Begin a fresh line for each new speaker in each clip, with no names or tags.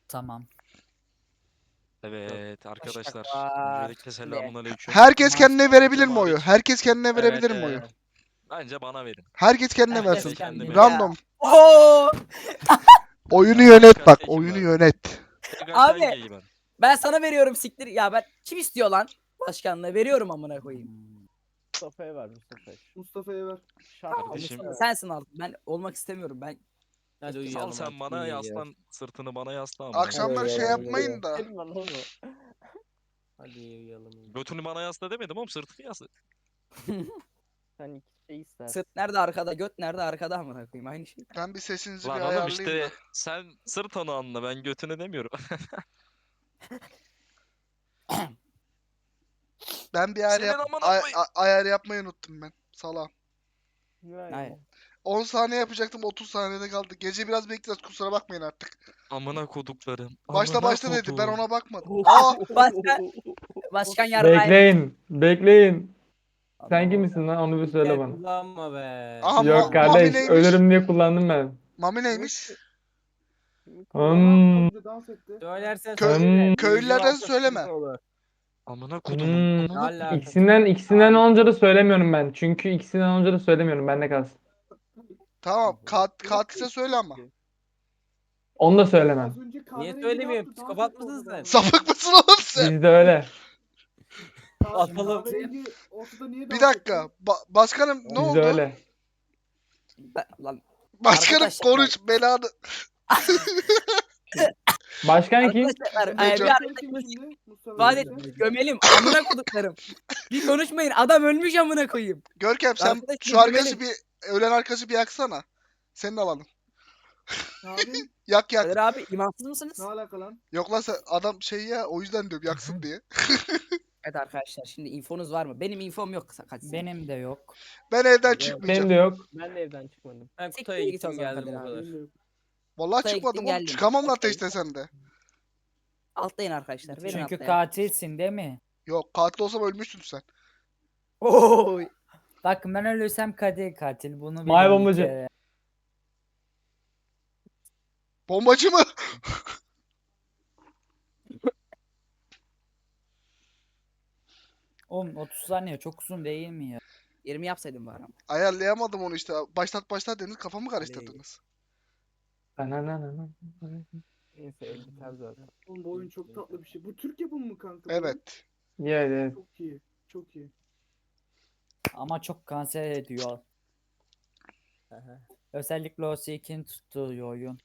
Tamam.
Evet arkadaşlar.
Başaklar.
Öncelikle selamünaleyküm.
Herkes kendine verebilir mi
Hocam
oyu?
hariç.
Herkes kendine
Evet,
verebilir mi oyu?
Bence bana verin.
Herkes kendine
Herkes
versin.
kendine.
Random.
Oo!
Oyunu
Ya,
yönet
kaç
bak.
tekim
Oyunu
var?
yönet.
Tek
Abi.
hangiyi ben?
Ben sana veriyorum siktir. Ya ben kim istiyor lan? Başkanlığı veriyorum amına koyayım.
Mustafa'ya ver Mustafa'ya.
Mustafa'ya ver.
Kardeşim.
Mustafa, sensin altın. Ben olmak istemiyorum. Ben
Hadi
Sal
uyuyalım
sen
artık,
bana
uyuyacağız.
yaslan. Sırtını bana yasla amına.
Akşamları şey yapmayın da.
Senin lan oğlum. Hadi uyuyalım.
Götünü bana yasla demedim oğlum, sırtını yasla.
Sen iki şey istersin.
sırt nerede arkada, göt nerede arkada amına koyayım aynı şey.
Ben bir sesinizi bir
Lan oğlum
ayarlayayım
işte
da.
sen sırt onu anla, ben götünü demiyorum.
Ben bir ayar,
Senin amına koyayım.
ayar yapmayı unuttum ben. Salam.
Hayır.
10 saniye yapacaktım, 30 saniyede kaldı. Gece biraz bekleyeceğiz, kusura bakmayın artık.
Amına koduklarım.
Başta
amına
başta dedi, ben
kodum.
ona bakmadım. Aa!
Başkan yarrağı.
Bekleyin. Bekleyin. Sen
Allah
kimsin lan? Onu bir söyle
Gel
bana.
kullanma be.
Aha,
Yok
Mami
kardeş.
neymiş?
Ölürüm diye kullandım ben.
Mami neymiş?
Hmm.
Kapıda dans etti.
Söylersen
Kö-
söyle.
köylülerden
Yüzü varsa
söyleme.
sıkıntı olur.
Amına kodumun.
Hmm.
Ne
Amına
alaka?
İkisinden olunca da söylemiyorum ben. Çünkü ikisinden olunca da söylemiyorum. Bende kalsın.
Tamam, katilse söyle ama.
Onu da söylemem.
Az önce
Niye
kahverengi
söylemiyorum?
yaptı, dans
Psikopat
etti
mısın
ortada.
sen?
Sapık mısın oğlum sen?
Bizde öyle.
Atalım.
Kahverengi ortada niye dans
Bir dakika,
etti?
başkanım ne
Bizde
oldu?
öyle.
Lan
Başkanım
Arkadaşlar-
konuş, belanı.
Başkan kim?
arkadaşlar
Neco.
bir
Mustafa kim şimdi? Mustafa
vaat
kim?
et gömelim amına koduklarım. Bir konuşmayın adam ölmüş amına koyayım.
Görkem sen
Arkadaş,
şu
bir
arkası
güvenin.
ölen arkası bir yaksana. Senin alanın.
Abi
Yak yak.
Kadir abi imansız mısınız?
ne alaka lan?
Yok lan sen adam şey ya, o yüzden diyorum yaksın diye.
Evet arkadaşlar şimdi infonuz var mı? Benim infom yok Kadir.
Benim de yok.
Ben evden
Benim
çıkmayacağım.
Benim de yok.
Ben de evden çıkmadım. Ben
Siktir
kutuya
git
gittim
o zaman
geldim
Kadir
o
abi.
kadar.
Bilmiyorum.
Vallahi
Kutuya
çıkmadım
gittin,
oğlum.
geldin.
Çıkamam lan
Okey.
ateşte sende.
Altlayın arkadaşlar. Verin
Çünkü
altlayın.
katilsin değil mi?
Yok, katil olsam ölmüşsün sen.
Oy.
Bakın ben ölürsem Kadir katil. Bunu bilin
May
bir
bombacı.
kere.
Bombacı mı?
Oğlum 30 saniye çok uzun değil mi ya?
20 yapsaydım bari ama.
Ayarlayamadım onu işte. Başlat dediniz, kafamı karıştırdınız.
Neyse el biter zaten.
Oğlum bu oyun çok tatlı bir şey. Bu Türk yapımı mı kanka? bu?
Evet.
Evet.
Çok iyi. Çok iyi.
Ama çok kanser ediyor.
Aha.
Özellikle o Seek'in tuttuğu oyun.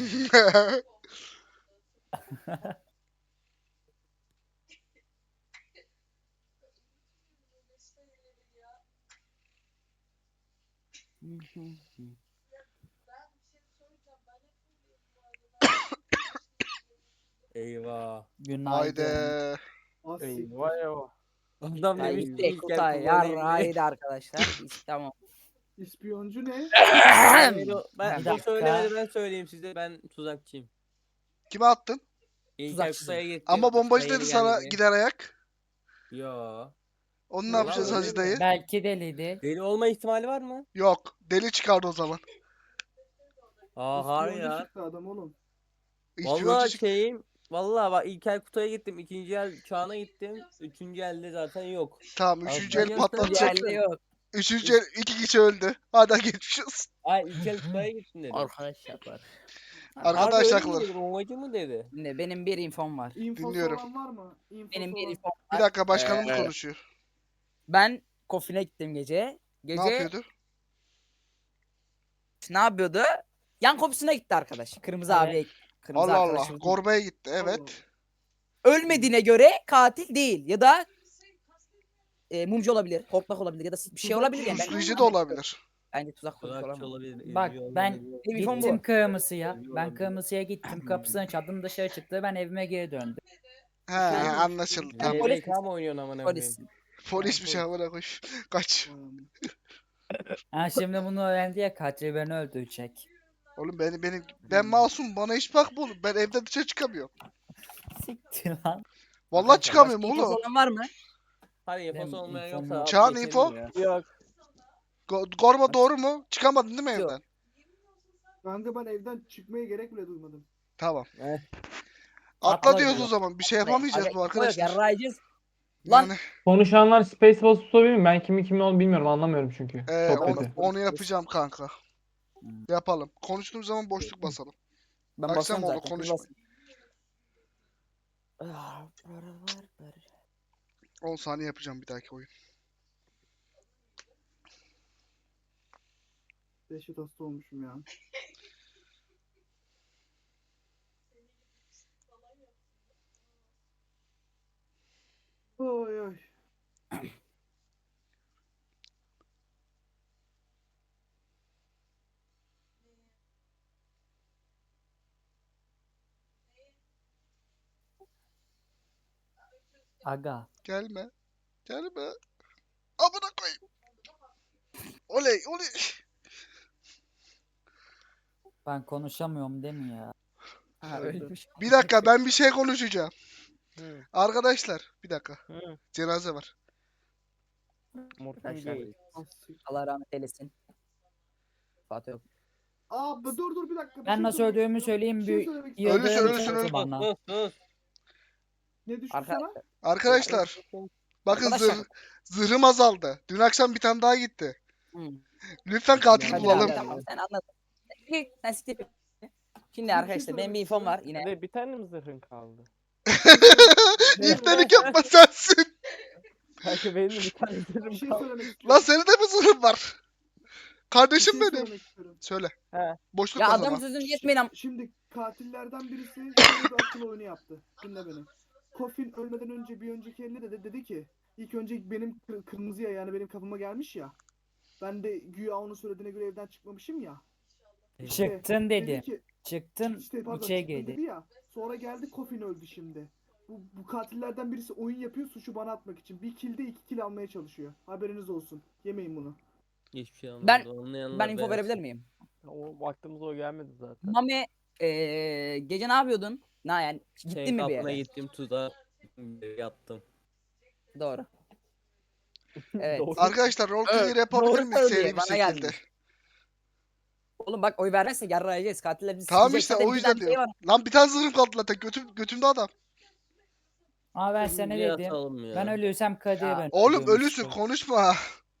Eyvah.
Günaydın.
Haydi.
Az
Eyvah eyvah. Adam
Ya
demiş
işte
ilk el
Kutay
kullanayım
yarrağıydı arkadaşlar. Tamam.
İspiyoncu ne?
Ben
Bir
o
dakika.
söylemedi ben söyleyeyim size ben tuzakçıyım.
Kime attın?
İlk el
Tuzakçısın.
kutaya gittim.
Ama bombacı
Kutaya
dedi
yeni
sana
geldi.
gider ayak.
Yo.
Onu ne
Yalan
yapacağız
öyle
Hacı
mi?
dayı?
Belki deliydi.
Deli olma ihtimali var mı?
Yok. Deli çıkardı o zaman.
Aa hayır
İspiyoncu
ya.
çıktı adam oğlum.
İspiyoncu
Vallahi
çıktı.
vallahi bak ilk el kutuya gittim, ikinci el çağına gittim, üçüncü elde zaten yok.
Tamam, üçüncü el
Ben
patlatacak.
Diğerleri yok.
Üçüncü el 2 kişi öldü. Hadi geçmiş olsun.
Ay ilk el kutuya gittim dedim.
Arkadaşlar var.
Arkadaşlar
Harbi öyle mi dedi, bombacı mı dedi?
Şimdi benim bir infom var.
İnfosu
Dinliyorum.
olan var mı? İnfosu
Benim bir
olan.
infom
Bir
var.
dakika, başkanımız konuşuyor.
Ben Kofin'e gittim gece.
Ne
Gece
yapıyordu?
ne yapıyordu? Yan komşusuna gitti arkadaş. Kırmızı
Evet.
abiye gitti. Kırmızı
Allah Allah.
arkadaşımız.
Gorba'ya gitti. Evet.
Ölmediğine göre katil değil. Ya da mumcu olabilir. Hortlak olabilir. Ya da bir şey olabilir yani.
Puslayıcı da olabilir.
Bence tuzak kurmuş
Tuzakçı
olamaz.
olabilir.
Bak
izliyor
ben
olabilir.
Benim infom
gittim
bu.
kırmızıya. Ben kırmızıya gittim. Kapısını çaldım, dışarı çıktı. Ben evime geri döndüm.
He, anlaşıldı. Tamam.
polis-
PBK mı oynuyorsun amına koyayım?
Polis.
Polis bir şey havana koş. Kaç.
Ha şimdi bunu öğrendi ya, katil beni öldürecek.
Oğlum ben masum, bana hiç bakma oğlum. Ben evden dışarı çıkamıyorum.
Siktir lan.
Vallahi
Başka
çıkamıyorum
infosu
oğlum.
olan var mı?
Hadi
Benim
infosu olmayan
infom
yoksa
yok.
abi
Çağan
geçelim
info?
ya.
Yok.
Gorba doğru mu? Çıkamadın değil mi
Yok.
evden?
Kanka ben evden çıkmaya gerek bile duymadım.
Tamam. Atla
Atla
diyoruz
diyor.
o zaman. Bir şey yapamayacağız bu arkadaşlar.
Yarrayacağız. Lan
Yani
Konuşanlar Spaceballs tutabilir mi? Ben kimin olduğunu bilmiyorum. Anlamıyorum çünkü. Çok
onu,
kötü.
onu yapacağım kanka.
Hmm.
Yapalım. Konuştuğum zaman boşluk basalım.
ben
Akşam
basıyorum
oldu,
zaten. siz
konuşma.
basın. Ah,
10 saniye yapacağım bir dahaki oyun.
Dehşet hasta olmuşum ya. Oy oy.
Aga.
Gelme. Gelme. Amına koyayım. Oley oley.
Ben konuşamıyorum değil mi ya?
Ha ölmüş.
Bir dakika ben bir şey konuşacağım.
Hı.
Arkadaşlar bir dakika.
Hı.
Cenaze var.
Arkadaşlar.
Allah rahmet eylesin. Fatih yok.
Dur bir dakika.
Ben nasıl öldüğümü söyleyeyim.
Bir şey
Bir
söylemek
yıldırım
Ölüsün,
çarptı
ölüsün.
bana.
Sus sus.
Ne düştü
Arka-
sana?
Arkadaşlar bakın
Arkadaşlar.
zırhım azaldı. Dün akşam bir tane daha gitti.
Hı.
Lütfen katil
Hadi
bulalım.
abi, tamam sen anladın. Sen siktir. Şimdi
şey
arkadaşlar benim bir infom var yine.
Ne bir tane mi zırhın kaldı?
İftelik yapma sensin.
Kanka benim de bir tane zırhım
Bir şey
kaldı.
söylemek istiyorum.
Lan senin de mi zırhın var?
Bir
Kardeşim
şey
benim.
söylemek istiyorum.
Söyle.
He.
Boşluk
Ya
var
adam
ama.
sözünü yetmeyin ama.
Şimdi katillerden birisi şöyle bir akıl oyunu yaptı. Dinle beni. Coffin ölmeden önce bir önceki eline de dedi ki ilk önce benim kırmızıya yani benim kapıma gelmiş ya. Ben de güya onun söylediğine göre evden çıkmamışım ya. İşte
Çıktın dedi.
ki
Çıktın
işte pardon
içeri
çıktı dedi
girdi.
ya. Sonra geldi Coffin öldü şimdi. Bu katillerden birisi oyun yapıyor suçu bana atmak için. Bir kilde 2 kill almaya çalışıyor. Haberiniz olsun. Yemeyin bunu.
Hiçbir şey
Ben-
anlamadım. Anlayanlar
Ben info
beğensin.
verebilir miyim?
O vaktimiz o gelmedi zaten.
Mami gece ne yapıyordun? Ne yani gittin
Senin
mi bir
kapına
yere?
gittim tuzağa yattım.
Doğru. Evet.
Doğru.
Arkadaşlar roleplay
Evet,
yapabilir
doğru
miyiz seri
söylüyor,
bir
bana
şekilde?
gelmiş. Oğlum bak oy vermezse yarrayacağız. Katiller bizi
Tamam
sikecek.
işte
Zaten
o
bir
yüzden
tane şey
diyorum.
var.
Lan bir tane zırhım kaldı zaten. Götümde adam.
Ama ben sana
Şimdi
dedim.
yatalım ya.
Ben ölürsem Kadir
Ya.
ben
Oğlum
öldürmüştüm.
ölüsün konuşma.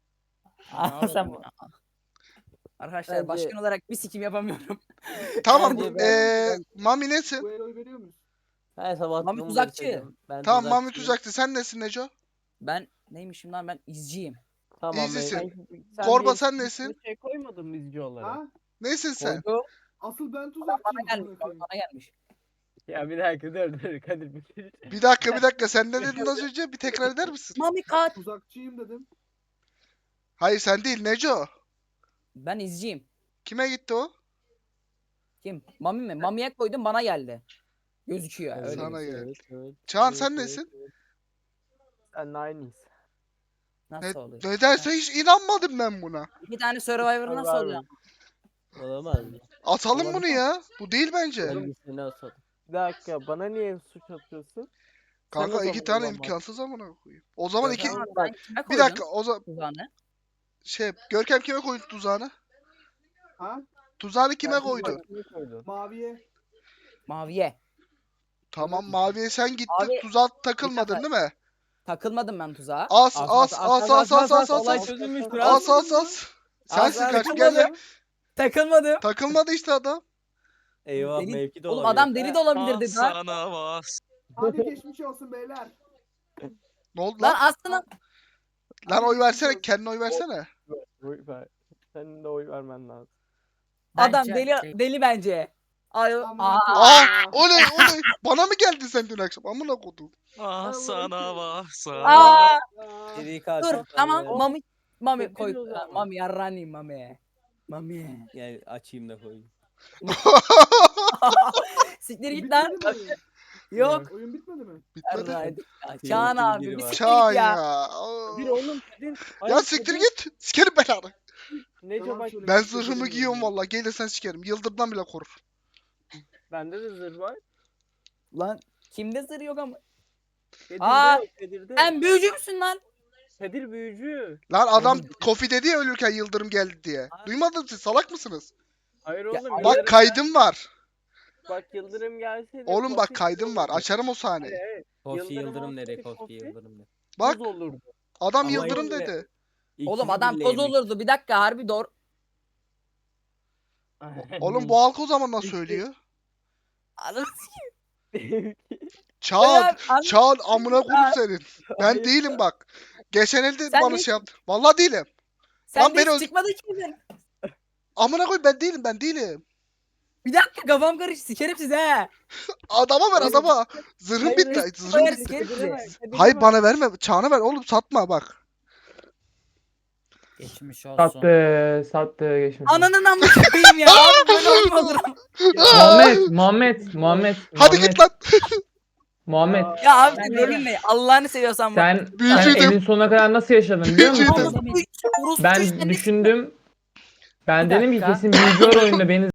Sen
Arkadaşlar
Bence-
başkan olarak bir sikim yapamıyorum.
Tamam.
Bence ben-
Mami nesin?
Bu el oy veriyor muyuz?
Her sabah
Mami
bunu
tuzakçı.
besledim. Ben
Tamam Mami
tuzakçıyım.
tuzakçı. Sen nesin Neco?
Ben neymişim lan ben izciyim.
Tamam.
İzlisin.
Sen
Korba
bir-
sen nesin?
Bir şey koymadın mı izci olarak?
Ha?
Nesin sen?
Koydu.
Asıl ben
Bana
tuzakçıyım.
gelmiş.
amına koyayım.
Bana gelmiş.
Ya bir dakika dur Kadir bitir.
Bir dakika. Sen ne dedin az önce? Bir tekrar eder misin?
Mami kat.
Tuzakçıyım dedim.
Hayır sen değil Neco.
Ben izciyim.
Kime gitti o?
Kim? Mami mi? Mami'ye koydum bana geldi. Gözüküyor öyle.
Sana
Evet,
geldi.
evet,
Çağan
evet,
sen
evet,
nesin?
evet. Sen aynıyız.
Nasıl oluyor?
Nedense hiç inanmadım ben buna.
İki tane Survivor nasıl oluyor?
Olamaz mı?
Atalım bunu ya. Bu değil bence.
Hangisini asalım?
Bir dakika bana niye suç atıyorsun?
Kanka
Sen o
iki
zaman
tane
olamaz.
imkansız amına koyayım. O zaman iki...
Tamam, sen kime
Bir
koydun
dakika o zaman
tuzağını?
Görkem kime koydu tuzağını?
Ha?
Tuzağını kime
Ben
koydu?
tuzak-
Kimi koydun?
Maviye.
Maviye.
Tamam maviye sen gittin
Abi,
tuzağa takılmadın
dakika.
değil mi?
Takılmadım ben tuzağa.
As
Olay
as.
çözülmüştür.
As. Sensin
As,
kaç
as.
gel lan.
Takılmadım.
Takılmadı işte adam.
Eyvah
Deli-
mevki de
Oğlum
olabilir.
adam deli de olabilirdi lan.
Sana bas.
Hadi geçmiş olsun beyler.
Ne oldu
Lan
lan?
aslında
Lan oy versene kendine oy versene.
Oy ver. Senin de oy vermen lazım.
adam
Bence-
deli bence. Ay,
Aman
aa,
Oley. Bana mı geldin sen dün akşam? Amına kodum.
Ah sana bas.
aa,
Seri katil
dur
ben
tamam
de-
Mami
Çok
koy.
güzel o zaman.
Mami yarrani Mami. Mami.
Gel açayım da koyayım.
Siktir git lan.
Bitmedi mi oyun?
Yok.
Oyun bitmedi mi?
Bitmedi.
Yarrani.
Tehlikeli
Çağan abi
biri
bir
var.
siktir
Çağan
git ya.
ya.
Bir oğlum Kadir.
Ya siktir git. Sikerim belanı.
Nece
Yalan
bak
söylemek
Ben
istemiyorum
zırhımı giyiyorum
ya.
valla. Gelirsen sikerim. Yıldırımdan bile korur.
bende de zırh var.
Lan kimde zırh yok ama.
Kadir'de
Aa,
yok, Kadir'de.
Sen büyücü müsün lan?
Kadir büyücü.
Lan adam Kofi dedi ya ölürken yıldırım geldi diye. Duymadın siz salak mısınız?
Hayır
Ya,
oğlum.
Bak
yıllarım-
kaydım var.
Bak Yıldırım gelseydi.
Oğlum bak
Kofi
kaydım var.
olurdu.
Açarım o sahneyi.
Evet.
Kofi
Yıldırım
Yıldırım dedi.
olsaydı
Kofi
Kofi,
Yıldırım dedi.
Bak
Buz olurdu.
adam
Ama
Yıldırım
işte-
dedi.
Oğlum
İkili
adam
bile
toz
yemiş.
olurdu. Bir dakika harbi doğru.
Oğlum bu halk o zaman nasıl söylüyor?
Anladın
Çağat.
mı?
Çağat amına koyayım senin. Ben değilim bak. Geçen elde
Sen
bana
de-
şey yaptı. Vallahi değilim.
Sen
Lan
de
beni
hiç
öl-
çıkmadı ki bizden.
Amına koyayım ben değilim ben değilim.
Bir dakika kafam karıştı. Sikerim sizi he.
Adama ver
Oğlum-
adama. Zırhım
Hayır,
bitti.
hayır,
Zırhım
hayır,
bitti.
sikerim sizi.
Hayır bana verme. Çağına ver oğlum satma bak.
Geçmiş olsun.
Sattı geçmiş.
Ananın amına koyayım ya. Abi böyle oyun mu olur?
Muhammed.
Hadi git lan.
Muhammed.
Ya abi
Ben
rolün ne? Allah'ını seviyorsan bak.
Sen
Büyücüydüm.
elin sonuna kadar nasıl yaşadın biliyor musun?
Büyücüydüm.
Orospu çocuğu,
Ben
işte ne-
düşündüm. Ben
Bir
dedim ki
dakika.
kesin büyücü var oyunda beni